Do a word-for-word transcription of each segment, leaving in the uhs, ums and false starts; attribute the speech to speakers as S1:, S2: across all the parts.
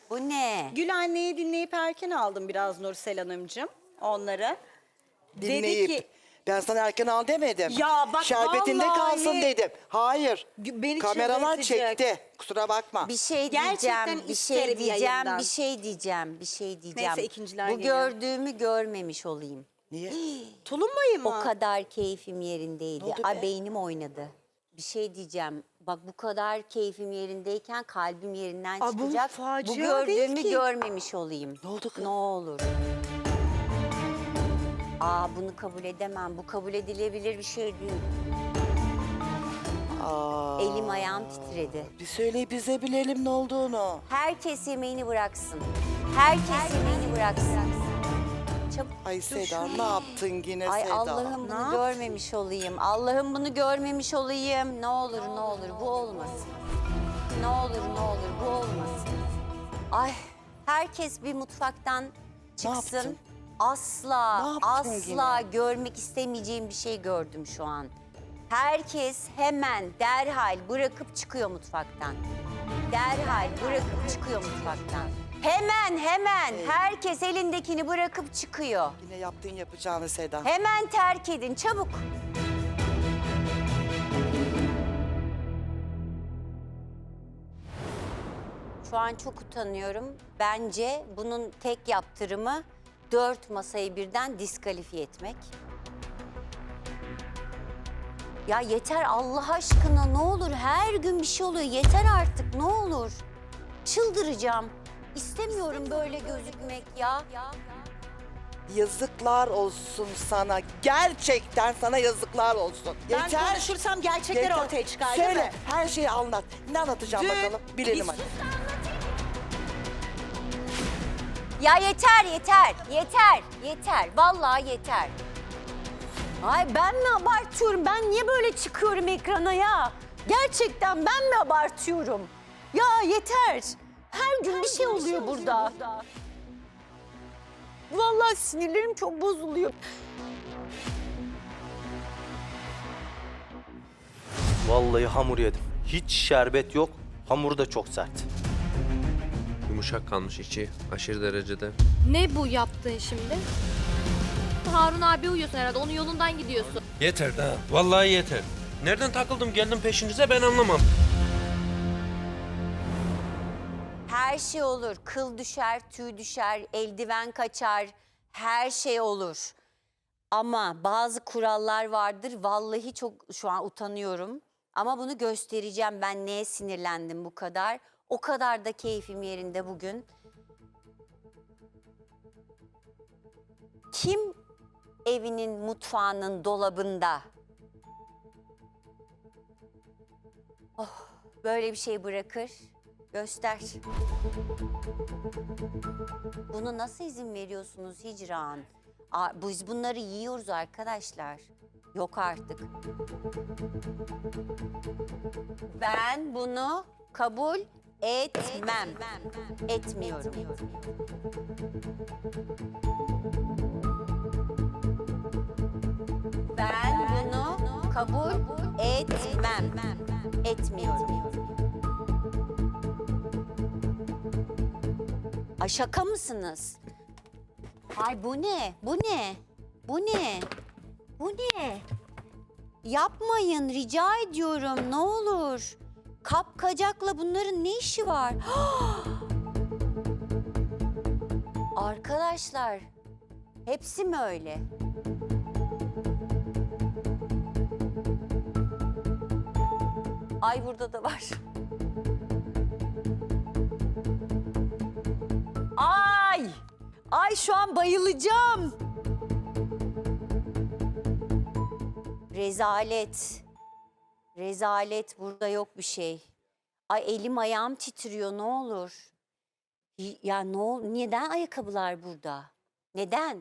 S1: Bu ne?
S2: Gül anneyi dinleyip erken aldım biraz Nursel Hanımcığım onları.
S3: Dinleyip.
S2: Dedi ki
S3: Ben sana erken al demedim.
S2: Ya bak
S3: Şerbetinde
S2: vallahi-
S3: kalsın dedim. Hayır.
S2: Beni
S3: Kameralar
S2: çıldırtacak.
S3: çekti. Kusura bakma.
S1: Bir şey
S2: Gerçekten
S1: diyeceğim, bir
S2: isterim
S1: şey diyeceğim,
S2: yayından.
S1: bir şey diyeceğim, bir şey diyeceğim.
S2: Neyse, ikinciler
S1: Bu
S2: geliyor.
S1: gördüğümü görmemiş olayım.
S3: Niye?
S2: tulumbayı mı?
S1: O kadar keyfim yerindeydi.
S3: Ne oldu
S1: Ay
S3: be?
S1: beynim oynadı. Bir şey diyeceğim. Bak bu kadar keyfim yerindeyken kalbim yerinden
S2: Aa, bu
S1: çıkacak.
S2: facia
S1: Bu
S2: değil
S1: gördüğümü
S2: ki.
S1: görmemiş olayım.
S3: Ne oldu kız?
S1: Ne olur. Aa bunu kabul edemem. Bu kabul edilebilir bir şey değil.
S3: Aa,
S1: Elim ayağım titredi.
S3: bir söyle bize bilelim ne olduğunu.
S1: Herkes yemeğini bıraksın. Herkes yemeğini bıraksın. Çabuk.
S3: Ay Seda ne yaptın yine
S1: Ay
S3: Seda?
S1: Allah'ım
S2: Ne
S1: bunu
S2: yaptın?
S1: görmemiş olayım. Allah'ım bunu görmemiş olayım. Ne olur ne olur bu olmasın. Ne olur ne olur bu olmasın. Ay herkes bir mutfaktan çıksın.
S3: yaptın?
S1: Asla
S3: Ne yaptın
S1: asla
S3: yine?
S1: görmek istemeyeceğim bir şey gördüm şu an. Herkes hemen derhal bırakıp çıkıyor mutfaktan. Derhal bırakıp çıkıyor mutfaktan. Hemen hemen herkes elindekini bırakıp çıkıyor.
S3: Yine yaptığın yapacağını Seda.
S1: Hemen terk edin çabuk. Şu an çok utanıyorum. Bence bunun tek yaptırımı dört masayı birden diskalifiye etmek. Ya yeter Allah aşkına ne olur her gün bir şey oluyor. Yeter artık ne olur. Çıldıracağım. İstemiyorum böyle gözükmek ya.
S3: Yazıklar olsun sana. Gerçekten sana yazıklar olsun.
S2: Ben
S3: Yeter.
S2: konuşursam gerçekler
S3: Yeter.
S2: ortaya çıkar değil
S3: Söyle
S2: mi?
S3: her şeyi anlat. Ne anlatacağım
S2: Dün
S3: bakalım. Bilelim
S2: biz-
S3: hadi.
S1: Ya yeter yeter yeter yeter vallahi yeter. Ay ben mi abartıyorum? Ben niye böyle çıkıyorum ekrana ya? Gerçekten ben mi abartıyorum? Ya yeter. Her gün bir şey oluyor burada. Vallahi sinirlerim çok bozuluyor.
S4: Vallahi hamur yedim. Hiç şerbet yok. Hamur da çok sert.
S5: Yumuşak kalmış içi aşırı derecede.
S6: Ne bu yaptığın şimdi? Harun abi uyuyorsun herhalde. Onun yolundan gidiyorsun.
S5: Yeter daha. Vallahi yeter. Nereden takıldım geldim peşinize ben anlamam.
S1: Her şey olur. Kıl düşer, tüy düşer, eldiven kaçar. Her şey olur. Ama bazı kurallar vardır. Vallahi çok şu an utanıyorum. Ama bunu göstereceğim. Ben neye sinirlendim bu kadar? O kadar da keyfim yerinde bugün. Kim evinin mutfağının dolabında? Oh, böyle bir şey bırakır. Göster. Bunu nasıl izin veriyorsunuz Hicran? Aa, biz bunları yiyoruz arkadaşlar. Yok artık. Ben bunu kabul etmem. Etmiyorum. Ben bunu kabul etmem. Etmiyorum. Ay şaka mısınız? Ay bu ne? Bu ne? Bu ne? Bu ne? Yapmayın rica ediyorum ne olur. Kapkacakla bunların ne işi var? Arkadaşlar hepsi mi öyle? Ay burada da var. Ay! Ay şu an bayılacağım. Rezalet. Rezalet burada yok bir şey. Ay elim ayağım titriyor ne olur. Y- Ya ne ol neden ayakkabılar burada? Neden?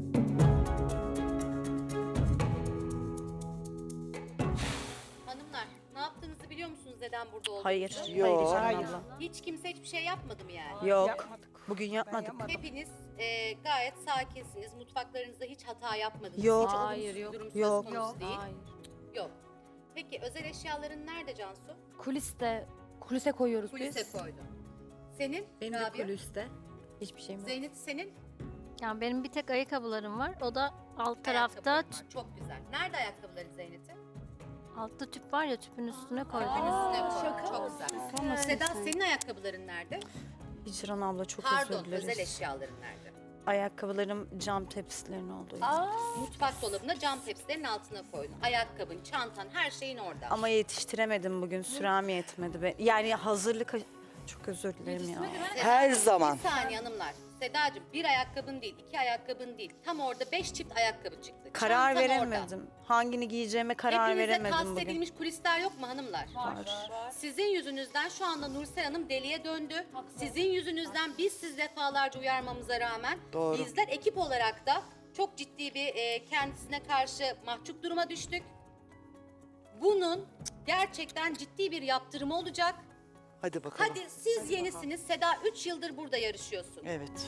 S6: Hanımlar ne yaptığınızı biliyor musunuz neden burada olduğunuzu?
S2: Hayır.
S3: Yok.
S2: Hayır canım abla.
S6: Hiç kimse hiçbir şey yapmadı mı yani?
S2: Yok. Bugün yapmadık.
S6: Hepiniz e, gayet sakinsiniz. Mutfaklarınızda hiç hata yapmadınız.
S2: Yok.
S6: Hiç
S7: Hayır,
S6: olumsuz
S7: yok.
S6: durum söz
S2: Yok.
S6: konusu değil.
S7: Hayır.
S6: Yok. Peki özel eşyaların nerede Cansu?
S7: Kuliste, kulise koyuyoruz
S6: Kulise
S7: biz.
S6: koydun.
S7: Senin?
S8: Benim de
S7: Rabia?
S8: kulüste. Hiçbir şeyim yok.
S7: Zeynep senin?
S6: Yani benim bir tek ayakkabılarım var. O da alt tarafta
S7: Ayakkabıların var. Çok güzel. Nerede ayakkabıların Zeynep'in?
S6: altta tüp var ya tüpün üstüne koydum.
S7: Kalbin üstüne koy. Çok güzel. Seda senin ayakkabıların nerede?
S2: Hicran abla çok
S7: Pardon,
S2: özür dileriz.
S7: özel eşyaların nerede?
S2: Ayakkabılarım cam tepsilerin olduğu yer.
S7: Mutfak dolabına cam tepsilerin altına koydun. Ayakkabın, çantan, her şeyin orada.
S2: Ama yetiştiremedim bugün. Sürem yetmedi. Be. Yani hazırlık... Çok özür dilerim ya.
S3: Her zaman.
S7: Bir saniye hanımlar. Sedacığım bir ayakkabın değil, iki ayakkabın değil. Tam orada beş çift ayakkabı çıktı.
S2: Karar
S7: Çantan
S2: veremedim. Hangini giyeceğime karar
S7: Hepinize
S2: veremedim
S7: tahsis
S2: bugün.
S7: edilmiş kulisler yok mu hanımlar?
S2: Var.
S7: Sizin yüzünüzden şu anda Nursel Hanım deliye döndü. Sizin yüzünüzden biz siz defalarca uyarmamıza rağmen
S3: Doğru.
S7: bizler ekip olarak da çok ciddi bir e, kendisine karşı mahcup duruma düştük. Bunun gerçekten ciddi bir yaptırımı olacak.
S3: Hadi bakalım.
S7: Hadi siz yenisiniz. Seda üç yıldır burada yarışıyorsun.
S3: Evet.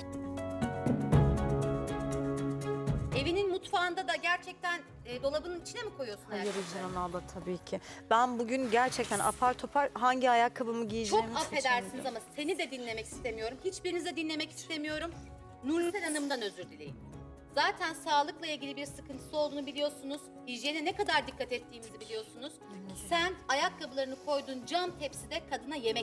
S7: Evinin mutfağında da gerçekten e, dolabının içine mi koyuyorsun
S2: Hayır
S7: ayakkabıları?
S2: Hicran abla tabii ki. Ben bugün gerçekten apar topar hangi ayakkabımı
S7: Çok
S2: giyeceğimi
S7: affedersiniz
S2: seçemedim.
S7: ama seni de dinlemek istemiyorum. Hiçbirinizi de dinlemek istemiyorum. Nursel Hanım'dan özür dileyin. Zaten sağlıkla ilgili bir sıkıntısı olduğunu biliyorsunuz. Hijyene ne kadar dikkat ettiğimizi biliyorsunuz. Sen ayakkabılarını koyduğun cam tepside kadına yemek...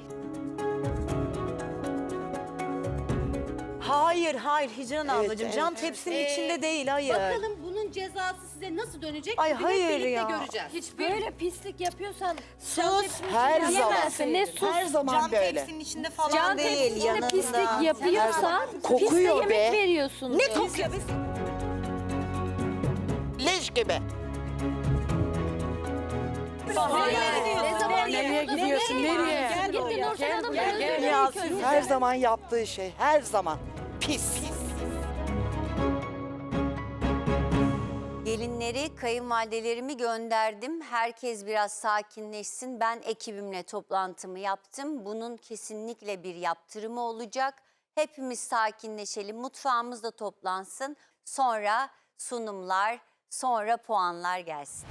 S2: Hayır hayır Hicran
S3: Evet,
S2: ablacığım.
S3: evet,
S2: Cam
S3: evet.
S2: tepsinin
S7: Ee,
S2: içinde değil hayır.
S7: Bakalım bunun cezası size nasıl dönecek?
S2: Ay,
S7: Bir hep
S2: hayır
S7: birlikte
S2: ya.
S7: göreceğiz.
S8: Hiç böyle pislik yapıyorsan
S2: Sus.
S3: Her zaman.
S8: yiyemezsin. Ne sus.
S3: Her zaman böyle.
S2: içinde falan
S8: Can
S2: değil
S8: tepsisinde
S2: yanında.
S8: pislik yapıyorsan
S3: Kokuyor
S8: pis de yemek
S3: be.
S8: veriyorsun.
S2: Ne kokuyor?
S3: Leş gibi.
S8: Ne zaman nereye gidiyorsun? Nereye?
S6: Git bir Nursel Hanım'la özür
S8: gel.
S6: dileyin
S2: Ya
S6: ilk
S2: siz
S6: önce.
S3: Her zaman yaptığı şey. Her zaman. Pis.
S1: Gelinleri, kayınvalidelerimi gönderdim. Herkes biraz sakinleşsin. Ben ekibimle toplantımı yaptım. Bunun kesinlikle bir yaptırımı olacak. Hepimiz sakinleşelim, mutfağımız da toplansın. Sonra sunumlar, sonra puanlar gelsin.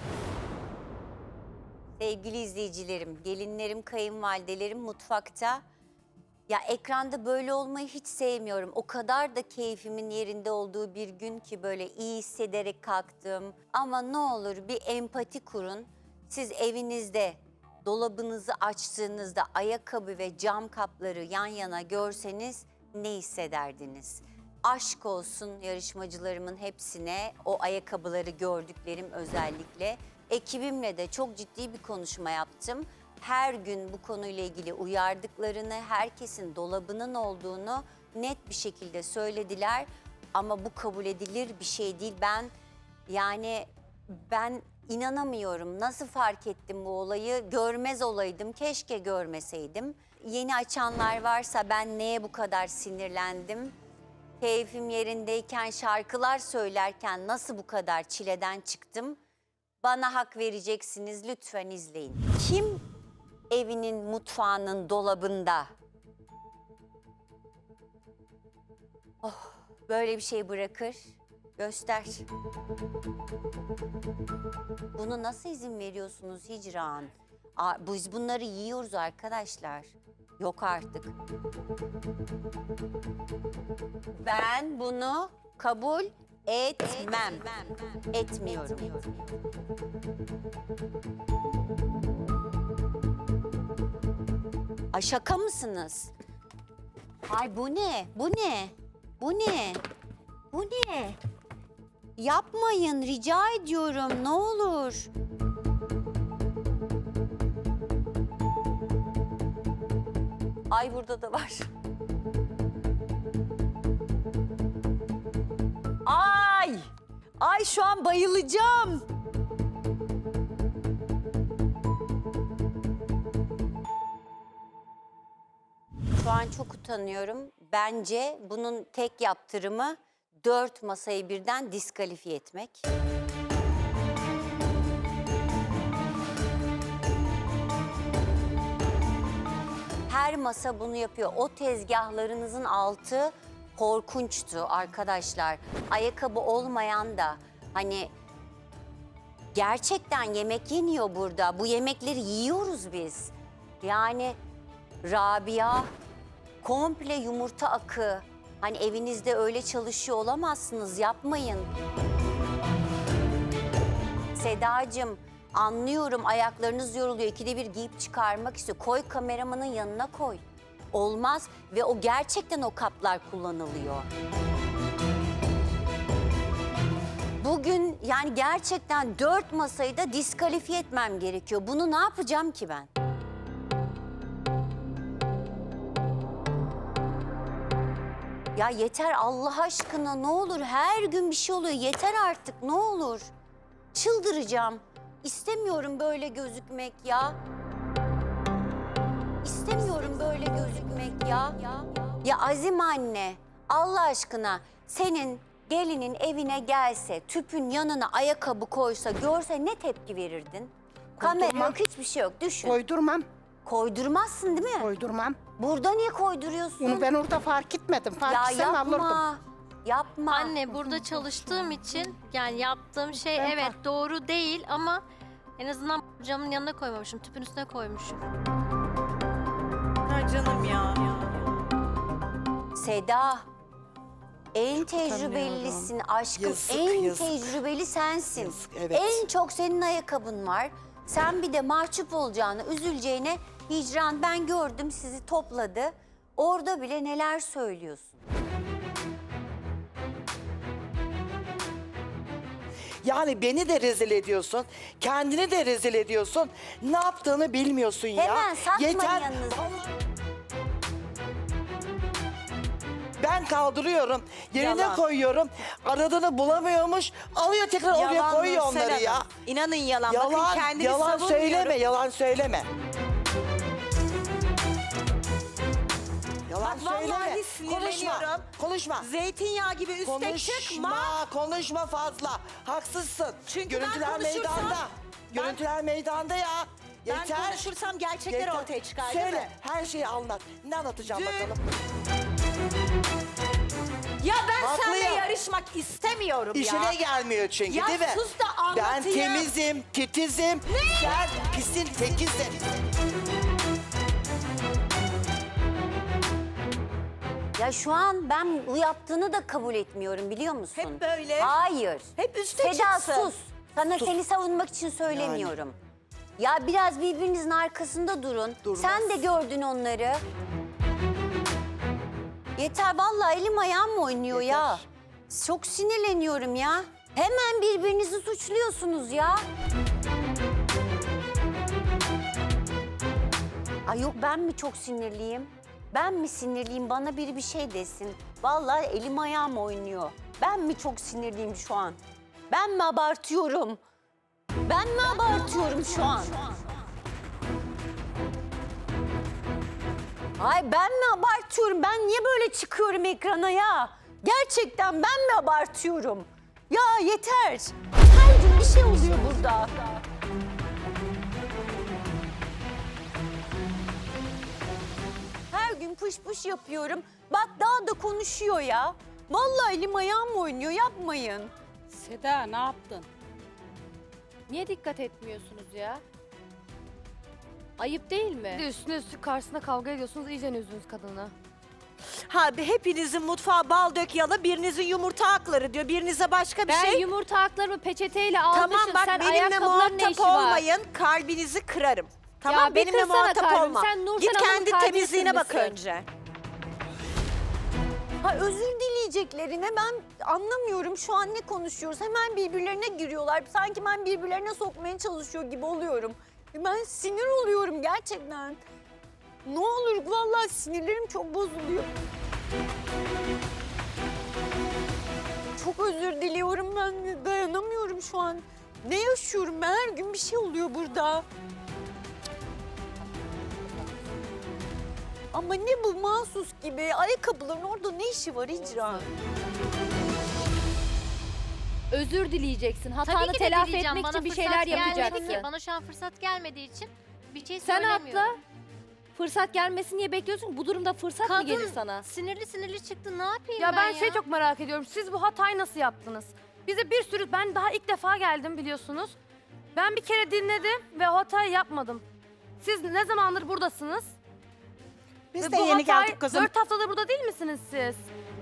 S1: Sevgili izleyicilerim, gelinlerim, kayınvalidelerim mutfakta. Ya ekranda böyle olmayı hiç sevmiyorum. O kadar da keyfimin yerinde olduğu bir gün ki böyle iyi hissederek kalktım. Ama ne olur bir empati kurun. Siz evinizde dolabınızı açtığınızda ayakkabı ve cam kapları yan yana görseniz ne hissederdiniz? Aşk olsun yarışmacılarımın hepsine, o ayakkabıları gördüklerim özellikle. Ekibimle de çok ciddi bir konuşma yaptım. Her gün bu konuyla ilgili uyardıklarını, herkesin dolabının olduğunu net bir şekilde söylediler. Ama bu kabul edilir bir şey değil. Ben yani ben inanamıyorum. Nasıl fark ettim bu olayı? Görmez olaydım. Keşke görmeseydim. Yeni açanlar varsa ben neye bu kadar sinirlendim? Keyfim yerindeyken şarkılar söylerken nasıl bu kadar çileden çıktım? Bana hak vereceksiniz, lütfen izleyin. Kim evinin mutfağının dolabında oh, böyle bir şey bırakır? Göster. Bunu nasıl izin veriyorsunuz Hicran? Aa, biz bunları yiyoruz arkadaşlar. Yok artık. Ben bunu kabul etmem. Etmiyorum. Ay şaka mısınız? Ay bu ne? Bu ne? Bu ne? Bu ne? Yapmayın rica ediyorum ne olur. Ay burada da var. Ay! Ay şu an bayılacağım. Şu an çok utanıyorum. Bence bunun tek yaptırımı dört masayı birden diskalifiye etmek. Her masa bunu yapıyor. O tezgahlarınızın altı korkunçtu arkadaşlar. Ayakkabı olmayan da hani gerçekten yemek yeniyor burada. Bu yemekleri yiyoruz biz. Yani Rabia komple yumurta akı. Hani evinizde öyle çalışıyor olamazsınız, yapmayın. Sedacığım, anlıyorum ayaklarınız yoruluyor. İkide bir giyip çıkarmak istiyor. Koy kameramanın yanına koy. Olmaz ve o gerçekten o kaplar kullanılıyor. Bugün yani gerçekten dört masayı da diskalifiye etmem gerekiyor. Bunu ne yapacağım ki ben? Ya yeter Allah aşkına, ne olur, her gün bir şey oluyor. Yeter artık, ne olur. Çıldıracağım. İstemiyorum böyle gözükmek ya. İstemiyorum böyle gözükmek ya. Ya Azim anne, Allah aşkına senin gelinin evine gelse, tüpün yanına ayakkabı koysa, görse ne tepki verirdin? Kamera
S9: Koydurmam.
S1: yok, hiçbir şey yok. Düşün.
S9: Koydurmam,
S1: Koydurmazsın değil mi?
S9: koydurmam.
S1: Burada niye koyduruyorsun?
S9: Bunu ben orada fark etmedim. Fark
S1: Ya
S9: etsem alırdım.
S1: yapma. Yapma.
S10: Anne burada çalıştığım için yani yaptığım şey
S9: Ben
S10: evet
S9: fark-
S10: doğru değil ama en azından camın yanına koymamışım, tüpün üstüne koymuşum.
S2: Ha canım ya.
S1: Seda, en tecrübelisin aşkım.
S3: Yazık,
S1: en
S3: yazık.
S1: tecrübeli sensin.
S3: Yazık, evet.
S1: En çok senin ayakkabın var. Sen bir de mahcup olacağını, üzüleceğine Hicran ben gördüm sizi topladı. Orada bile neler söylüyorsun.
S3: Yani beni de rezil ediyorsun, kendini de rezil ediyorsun. Ne yaptığını bilmiyorsun ya.
S1: Hemen satma
S3: Yeter.
S1: yanınıza.
S3: Ben kaldırıyorum, yerine
S2: Yalan.
S3: koyuyorum. Aradığını bulamıyormuş, alıyor tekrar oraya
S2: Yalan
S3: koyuyor
S2: Nursel
S3: onları ya.
S2: Hanım. İnanın yalan.
S3: Yalan,
S2: Bakın kendimi
S3: yalan
S2: savunmuyorum.
S3: söyleme, yalan söyleme. Yalan
S2: Bak vallahi
S3: söyleme.
S2: sinirleniyorum.
S3: Konuşma, konuşma.
S2: Zeytinyağı gibi üste
S3: Konuşma,
S2: çıkma.
S3: konuşma fazla. Haksızsın.
S2: Çünkü
S3: Görüntüler
S2: ben konuşursam-
S3: meydanda.
S2: Ben-
S3: Görüntüler meydanda ya.
S2: Ben
S3: Yeter.
S2: konuşursam gerçekler
S3: Yeter.
S2: ortaya çıkar değil
S3: Söyle,
S2: mi?
S3: her şeyi anlat. Ne anlatacağım
S2: Dün-
S3: bakalım?
S2: Ya ben
S3: Haklıyım.
S2: seninle yarışmak istemiyorum
S3: İşine
S2: ya.
S3: gelmiyor çünkü
S2: Ya
S3: değil mi?
S2: sus da
S3: Ben
S2: anlatayım.
S3: temizim, titizim. Sen pisin tekizsin.
S1: Ya şu an ben bu yaptığını da kabul etmiyorum biliyor musun?
S2: Hep böyle.
S1: Hayır.
S2: Hep üste
S1: Seda
S2: çıksın.
S1: sus. Sana seni savunmak için söylemiyorum. Ya biraz birbirinizin arkasında durun.
S3: Durmaz.
S1: Sen de gördün onları. Yeter vallahi elim ayağım oynuyor ya.
S3: Yeter.
S1: Çok sinirleniyorum ya. Hemen birbirinizi suçluyorsunuz ya. Ay yok ben mi çok sinirliyim? Ben mi sinirliyim? Bana biri bir şey desin. Vallahi elim ayağım oynuyor. Ben mi çok sinirliyim şu an? Ben mi abartıyorum? Ben mi abartıyorum şu an? Ay ben mi abartıyorum? Ben niye böyle çıkıyorum ekrana ya? Gerçekten ben mi abartıyorum? Ya yeter. Her gün bir şey oluyor burada. Her gün pış pış yapıyorum. Bak daha da konuşuyor ya. Vallahi elim ayağım oynuyor, yapmayın.
S8: Seda ne yaptın?
S6: Niye dikkat etmiyorsunuz ya? Ayıp değil mi?
S8: Üstüne üstü karşısında kavga ediyorsunuz, iyice üzdünüz kadını.
S2: Ha hepinizin mutfağı bal dök yala, birinizin yumurta hakları diyor, birinize başka bir
S6: Ben
S2: şey.
S6: yumurta haklarımı peçeteyle almışım.
S2: Tamam bak
S6: Sen
S2: benimle
S6: ayakkabıların ne
S2: muhatap
S6: işi var?
S2: olmayın, kalbinizi kırarım. Tamam
S6: bir
S2: benimle
S6: kırsana
S2: muhatap
S6: kalbimi.
S2: olma.
S6: Sen Nursel
S2: Git
S6: Hanım'ın
S2: kendi
S6: kalbini
S2: temizliğine bak
S6: kırmışsın.
S2: önce.
S1: Ha özür dileyeceklerine ben anlamıyorum şu an ne konuşuyoruz. Hemen birbirlerine giriyorlar. Sanki ben birbirlerine sokmaya çalışıyor gibi oluyorum. Ben sinir oluyorum gerçekten. Ne olur vallahi sinirlerim çok bozuluyor. Çok özür diliyorum ben dayanamıyorum şu an. Ne yaşıyorum ben her gün bir şey oluyor burada. Ama ne bu mahsus gibi ayakkabıların orada ne işi var Hicran?
S6: Özür dileyeceksin. Hatanı
S10: Tabii ki de
S6: telafi
S10: dileyeceğim.
S6: etmek
S10: Bana
S6: için bir
S10: fırsat
S6: şeyler
S10: gelmedi
S6: yapacaksın.
S10: ki. Bana şu an fırsat gelmediği için bir şey
S6: Sen
S10: söylemiyorum.
S6: atla. Fırsat gelmesin diye bekliyorsun. Bu durumda fırsat mı
S10: Kadın
S6: gelir sana?
S10: sinirli sinirli çıktı. Ne yapayım
S8: Ya
S10: ben,
S8: ben
S10: ya?
S8: şey çok merak ediyorum. Siz bu hatayı nasıl yaptınız? Bize bir sürü, ben daha ilk defa geldim biliyorsunuz. Ben bir kere dinledim ve o hatayı yapmadım. Siz ne zamandır buradasınız?
S9: Biz
S8: Ve
S9: de
S8: bu
S9: yeni
S8: hatayı-
S9: geldik kızım.
S8: Dört haftadır burada değil misiniz siz?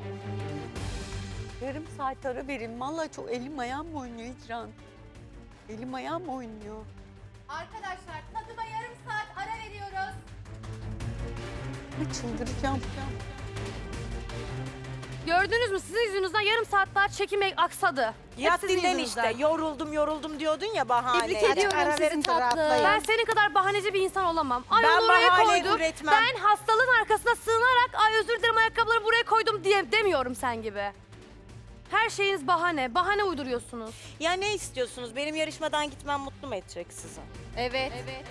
S11: Yarım saat ara verin. Vallahi çok elim ayağım oynuyor İcran. Elim ayağım oynuyor.
S7: Arkadaşlar tadıma yarım saat ara veriyoruz.
S11: Ay, çıldıracağım.
S8: Gördünüz mü sizin yüzünüzden yarım saat daha çekim aksadı. Hep
S2: Yat
S8: sizin
S2: dinlen
S8: yüzünüzden.
S2: işte. Yoruldum yoruldum diyordun ya bahane.
S8: Tebrik
S9: Hadi
S8: ediyorum
S9: ara
S8: sizi
S9: verin de
S8: tatlım.
S9: rahatlayın.
S8: Ben senin kadar bahaneci bir insan olamam. Ay
S2: Ben
S8: onu oraya
S2: bahane
S8: koydum.
S2: üretmem.
S8: Ben hastalığın arkasına sığınarak ay özür dilerim ayakkabıları buraya koydum diye demiyorum sen gibi. Her şeyiniz bahane. Bahane uyduruyorsunuz.
S2: Ya ne istiyorsunuz? Benim yarışmadan gitmem mutlu mu edecek sizi?
S6: Evet. Evet.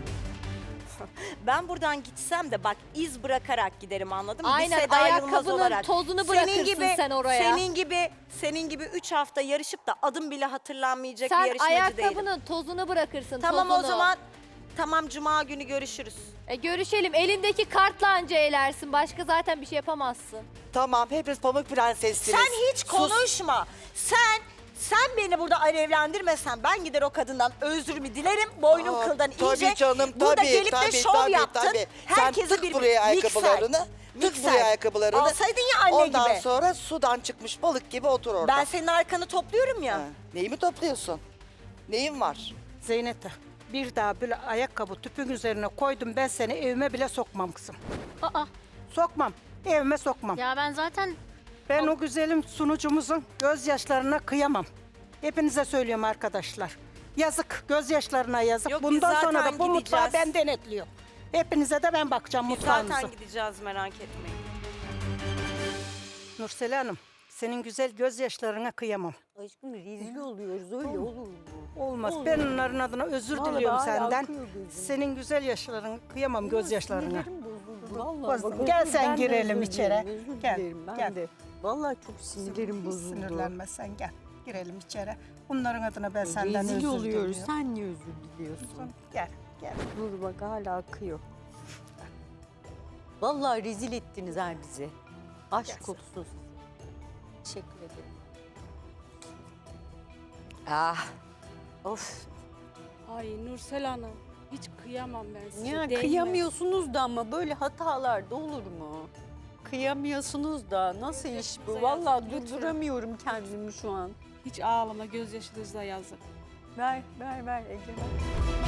S2: Ben buradan gitsem de bak iz bırakarak giderim anladın mı?
S6: Aynen,
S2: Bir Seda Yılmaz
S6: ayakkabının
S2: olarak.
S6: tozunu bırakırsın sen oraya.
S2: Senin gibi senin gibi üç hafta yarışıp da adım bile hatırlanmayacak bir
S6: Sen
S2: yarışmacı değilim.
S6: ayakkabının tozunu bırakırsın.
S2: Tamam
S6: tozunu.
S2: o zaman tamam cuma günü görüşürüz.
S6: E, görüşelim. Elindeki kartla anca elersin. Başka zaten bir şey yapamazsın.
S3: Tamam hepiniz pamuk prensessiniz.
S2: Sen hiç
S3: Sus.
S2: konuşma. Sen sen beni burada alevlendirmesen ben gider o kadından özrümü dilerim. Boynum
S3: Aa,
S2: kıldan
S3: tabii
S2: iyice.
S3: canım,
S2: Burada
S3: tabii,
S2: gelip
S3: tabii,
S2: de şov
S3: tabii,
S2: yaptın.
S3: tabii. Sen
S2: Herkesi
S3: tık
S2: bir
S3: buraya
S2: mikser,
S3: ayakkabılarını, tık
S2: mikser.
S3: buraya ayakkabılarını.
S2: Alsaydın ya anne
S3: Ondan
S2: gibi.
S3: sonra sudan çıkmış balık gibi otur orada.
S2: Ben senin arkanı topluyorum ya.
S3: Ha, neyi mi topluyorsun? Neyin var?
S9: Zeynep'e bir daha böyle ayakkabı tüpün üzerine koydum ben seni evime bile sokmam kızım.
S10: Aa,
S9: Sokmam. Evime sokmam.
S10: ya ben zaten
S9: Ben o güzelim sunucumuzun gözyaşlarına kıyamam. Hepinize söylüyorum arkadaşlar. Yazık, gözyaşlarına yazık.
S2: Yok, biz
S9: Bundan sonra
S2: zaten
S9: da bu mutfağı
S2: gideceğiz.
S9: ben denetliyorum. Hepinize de ben bakacağım
S2: Biz
S9: mutfağınıza.
S2: zaten gideceğiz merak etmeyin.
S9: Nursel Hanım, senin güzel gözyaşlarına kıyamam.
S11: Aşkım rezil oluyoruz öyle olur mu?
S9: Olmaz.
S11: Olur.
S9: Ben onların adına özür
S11: Vallahi
S9: diliyorum
S11: hala
S9: senden.
S11: akıyor gözüm.
S9: Senin güzel yaşlarına kıyamam gözyaşlarına.
S11: Sinirlerim bozuldu. Vallahi
S9: Bozuldu.
S11: bak,
S9: Gel
S11: özür-
S9: sen
S11: ben de
S9: girelim
S11: özür
S9: içeri.
S11: dilerim, özür
S9: Gel,
S11: dilerim ben
S9: gel.
S11: de. Vallahi çok sinirlerim
S9: Hiç
S11: bozuldu.
S9: sinirlenme sen gel. Girelim içeri. Bunların adına ben senden
S11: Rezil
S9: özür
S11: oluyoruz.
S9: diliyorum.
S11: Sen niye özür diliyorsun?
S9: Gel, gel.
S11: Dur bak hala akıyor. Vallahi rezil ettiniz ha bizi. Aşk
S9: Gelsin.
S11: olsun size. Teşekkür ederim.
S1: Ah.
S11: Of.
S12: Ay Nursel Hanım, hiç kıyamam ben size.
S11: Ya
S12: değmez.
S11: kıyamıyorsunuz da ama böyle hatalar da olur mu? Kıyamıyorsunuz da nasıl iş bu? Vallahi durduramıyorum kendimi şu an.
S12: Hiç ağlama, gözyaşınızla yazık.
S11: Ver, ver, ver Ege. ver.